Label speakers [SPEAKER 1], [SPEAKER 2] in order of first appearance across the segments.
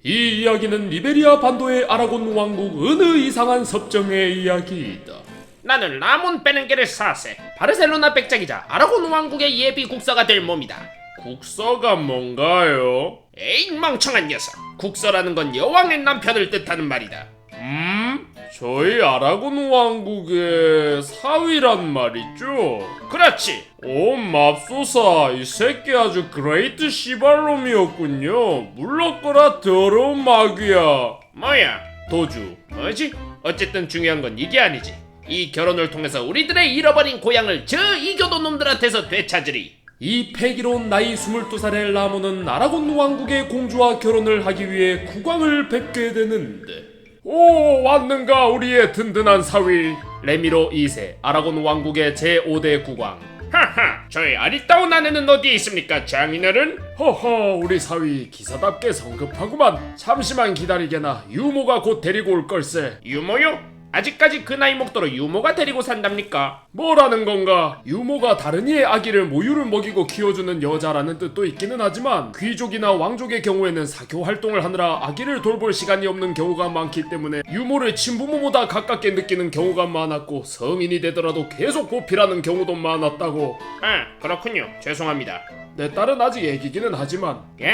[SPEAKER 1] 이 이야기는 리베리아 반도의 아라곤 왕국 어느 이상한 섭정의 이야기이다.
[SPEAKER 2] 나는 라몬 베넨게르 4세 바르셀로나 백작이자 아라곤 왕국의 예비 국사가 될 몸이다.
[SPEAKER 1] 국서가 뭔가요?
[SPEAKER 2] 에이 멍청한 녀석, 국서라는 건 여왕의 남편을 뜻하는 말이다.
[SPEAKER 1] 저희 아라곤 왕국의 사위란 말이죠?
[SPEAKER 2] 그렇지.
[SPEAKER 1] 오 맙소사, 이 새끼 아주 그레이트 시발놈이었군요. 물러거라 더러운 마귀야.
[SPEAKER 2] 뭐야?
[SPEAKER 1] 도주.
[SPEAKER 2] 뭐지? 어쨌든 중요한 건 이게 아니지. 이 결혼을 통해서 우리들의 잃어버린 고향을 저 이교도 놈들한테서 되찾으리.
[SPEAKER 1] 이 패기로운 나이 22살의 라몬은 아라곤 왕국의 공주와 결혼을 하기 위해 국왕을 뵙게 되는데, 오 왔는가 우리의 든든한 사위 레미로 2세 아라곤 왕국의 제5대 국왕.
[SPEAKER 2] 하하, 저의 아리따운 아내는 어디에 있습니까, 장인어른?
[SPEAKER 1] 허허, 우리 사위 기사답게 성급하구만. 잠시만 기다리게나. 유모가 곧 데리고 올 걸세.
[SPEAKER 2] 유모요? 아직까지 그 나이 먹도록 유모가 데리고 산답니까?
[SPEAKER 1] 뭐라는 건가? 유모가 다른 이의 아기를 모유를 먹이고 키워주는 여자라는 뜻도 있기는 하지만, 귀족이나 왕족의 경우에는 사교 활동을 하느라 아기를 돌볼 시간이 없는 경우가 많기 때문에 유모를 친부모보다 가깝게 느끼는 경우가 많았고, 성인이 되더라도 계속 보필하는 경우도 많았다고.
[SPEAKER 2] 아, 그렇군요. 죄송합니다.
[SPEAKER 1] 내 딸은 아직 애기기는 하지만.
[SPEAKER 2] 예?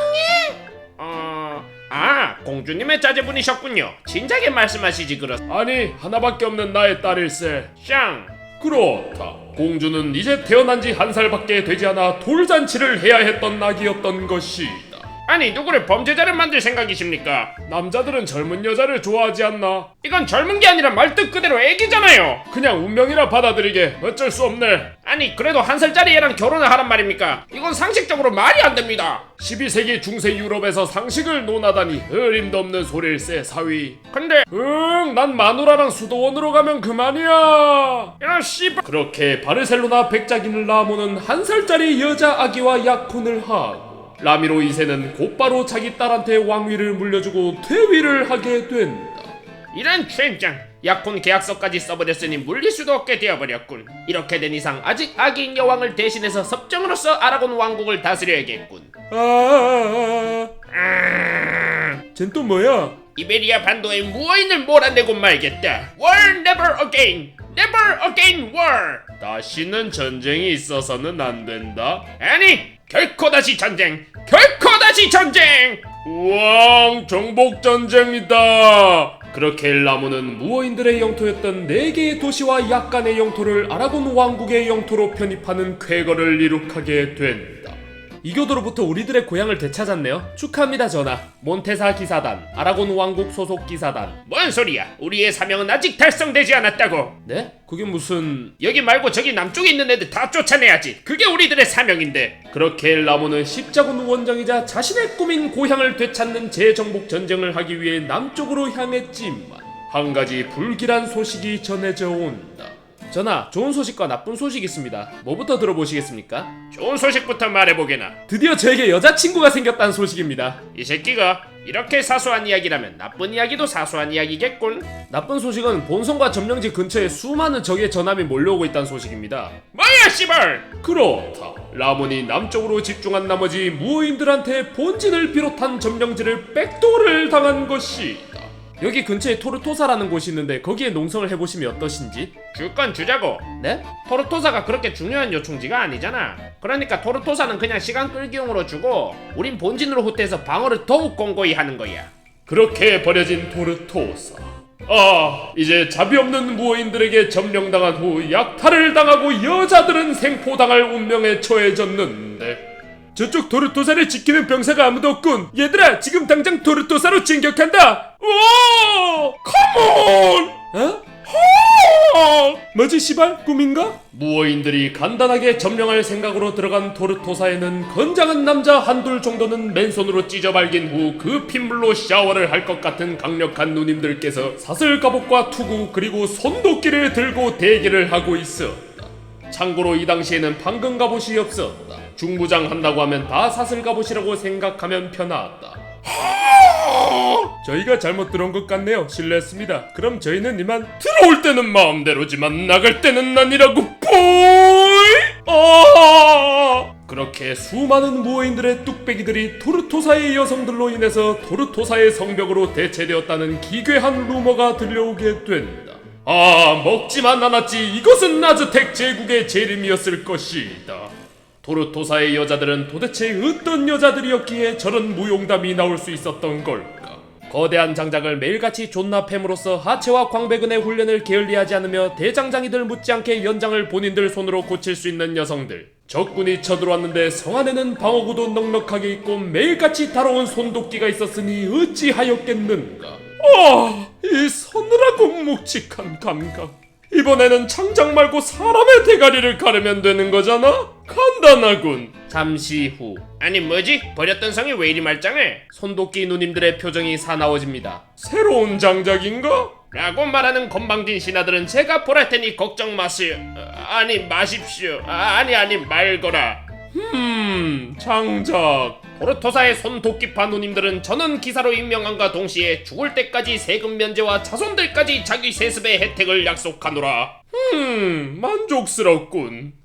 [SPEAKER 2] 공주님의 자제분이셨군요. 진작에 말씀하시지
[SPEAKER 1] 아니, 하나밖에 없는 나의 딸일세.
[SPEAKER 2] 샹.
[SPEAKER 1] 그렇다. 공주는 이제 태어난 지 한 살밖에 되지 않아 돌잔치를 해야 했던 나기였던 것이다.
[SPEAKER 2] 아니, 누구를 범죄자를 만들 생각이십니까?
[SPEAKER 1] 남자들은 젊은 여자를 좋아하지 않나?
[SPEAKER 2] 이건 젊은 게 아니라 말뜻 그대로 애기잖아요.
[SPEAKER 1] 그냥 운명이라 받아들이게. 어쩔 수 없네.
[SPEAKER 2] 아니, 그래도 한 살짜리 애랑 결혼을 하란 말입니까? 이건 상식적으로 말이 안 됩니다.
[SPEAKER 1] 12세기 중세 유럽에서 상식을 논하다니 어림도 없는 소릴세, 사위.
[SPEAKER 2] 근데
[SPEAKER 1] 난 마누라랑 수도원으로 가면 그만이야.
[SPEAKER 2] 이런 씨발.
[SPEAKER 1] 그렇게 바르셀로나 백작인 라모는 한 살짜리 여자 아기와 약혼을 하고, 라미로 2세는 곧바로 자기 딸한테 왕위를 물려주고 퇴위를 하게 된다.
[SPEAKER 2] 이런 젠장. 약혼 계약서까지 써버렸으니 물릴 수도 없게 되어버렸군. 이렇게 된 이상 아직 아기인 여왕을 대신해서 섭정으로서 아라곤 왕국을 다스려야겠군.
[SPEAKER 1] 쟨 또 뭐야?
[SPEAKER 2] 이베리아 반도의 무어인을 몰아내고 말겠다. War never again. Never again war.
[SPEAKER 1] 다시는 전쟁이 있어서는 안 된다.
[SPEAKER 2] 아니, 결코 다시 전쟁. 결코 다시 전쟁.
[SPEAKER 1] 우왕, 정복전쟁이다. 그렇게 라모는 무어인들의 영토였던 4개의 도시와 약간의 영토를 아라곤 왕국의 영토로 편입하는 쾌거를 이룩하게 된다. 이교도로부터 우리들의 고향을 되찾았네요. 축하합니다, 전하. 몬테사 기사단, 아라곤 왕국 소속 기사단.
[SPEAKER 2] 뭔 소리야? 우리의 사명은 아직 달성되지 않았다고.
[SPEAKER 1] 네? 그게 무슨...
[SPEAKER 2] 여기 말고 저기 남쪽에 있는 애들 다 쫓아내야지. 그게 우리들의 사명인데.
[SPEAKER 1] 그렇게 라모는 십자군 원정이자 자신의 꿈인 고향을 되찾는 재정복 전쟁을 하기 위해 남쪽으로 향했지만, 한 가지 불길한 소식이 전해져 온다. 전하, 좋은 소식과 나쁜 소식이 있습니다. 뭐부터 들어보시겠습니까?
[SPEAKER 2] 좋은 소식부터 말해보게나.
[SPEAKER 1] 드디어 저에게 여자친구가 생겼다는 소식입니다.
[SPEAKER 2] 이 새끼가 이렇게 사소한 이야기라면 나쁜 이야기도 사소한 이야기겠군.
[SPEAKER 1] 나쁜 소식은 본성과 점령지 근처에 수많은 적의 전함이 몰려오고 있다는 소식입니다.
[SPEAKER 2] 뭐야 씨발!
[SPEAKER 1] 그렇다. 라몬이 남쪽으로 집중한 나머지 무어인들한테 본진을 비롯한 점령지를 백도를 당한 것이다. 여기 근처에 토르토사라는 곳이 있는데 거기에 농성을 해보시면 어떠신지?
[SPEAKER 2] 줄 건 주자고.
[SPEAKER 1] 네?
[SPEAKER 2] 토르토사가 그렇게 중요한 요충지가 아니잖아. 그러니까 토르토사는 그냥 시간 끌기용으로 주고 우린 본진으로 후퇴해서 방어를 더욱 공고히 하는 거야.
[SPEAKER 1] 그렇게 버려진 토르토사. 이제 자비 없는 무어인들에게 점령당한 후 약탈을 당하고 여자들은 생포당할 운명에 처해졌는데, 저쪽 토르토사를 지키는 병사가 아무도 없군. 얘들아, 지금 당장 토르토사로 진격한다. 오! 컴온! 뭐지 씨발? 꿈인가? 무어인들이 간단하게 점령할 생각으로 들어간 토르토사에는 건장한 남자 한둘 정도는 맨손으로 찢어발긴 후 그 핏물로 샤워를 할 것 같은 강력한 누님들께서 사슬갑옷과 투구 그리고 손도끼를 들고 대기를 하고 있었다. 참고로 이 당시에는 방금 갑옷이 없었다. 중부장 한다고 하면 다 사슬갑옷이라고 생각하면 편하다. 저희가 잘못 들어온 것 같네요. 실례했습니다. 그럼 저희는 이만. 들어올 때는 마음대로지만 나갈 때는 아니라고. 뽀이! 그렇게 수많은 무어인들의 뚝배기들이 토르토사의 여성들로 인해서 토르토사의 성벽으로 대체되었다는 기괴한 루머가 들려오게 된다. 아, 먹지만 않았지. 이것은 아즈텍 제국의 재림이었을 것이다. 토르토사의 여자들은 도대체 어떤 여자들이었기에 저런 무용담이 나올 수 있었던 걸까? 거대한 장작을 매일같이 존나 팹으로써 하체와 광배근의 훈련을 게을리하지 않으며 대장장이들 못지않게 연장을 본인들 손으로 고칠 수 있는 여성들. 적군이 쳐들어왔는데 성 안에는 방어구도 넉넉하게 있고 매일같이 다뤄온 손도끼가 있었으니 어찌하였겠는가. 이 서늘하고 묵직한 감각. 이번에는 장작 말고 사람의 대가리를 가르면 되는 거잖아? 간단하군. 잠시 후.
[SPEAKER 2] 아니 뭐지? 버렸던 성이 왜 이리 말짱해?
[SPEAKER 1] 손도끼 누님들의 표정이 사나워집니다. 새로운 장작인가?
[SPEAKER 2] 라고 말하는 건방진 신하들은 제가 보랄 테니 걱정 마세요. 아니 마십시오. 아니 말거라.
[SPEAKER 1] 장작.
[SPEAKER 2] 토르토사의 손도끼파 누님들은 저는 기사로 임명함과 동시에 죽을 때까지 세금 면제와 자손들까지 자기 세습의 혜택을 약속하노라.
[SPEAKER 1] 만족스럽군.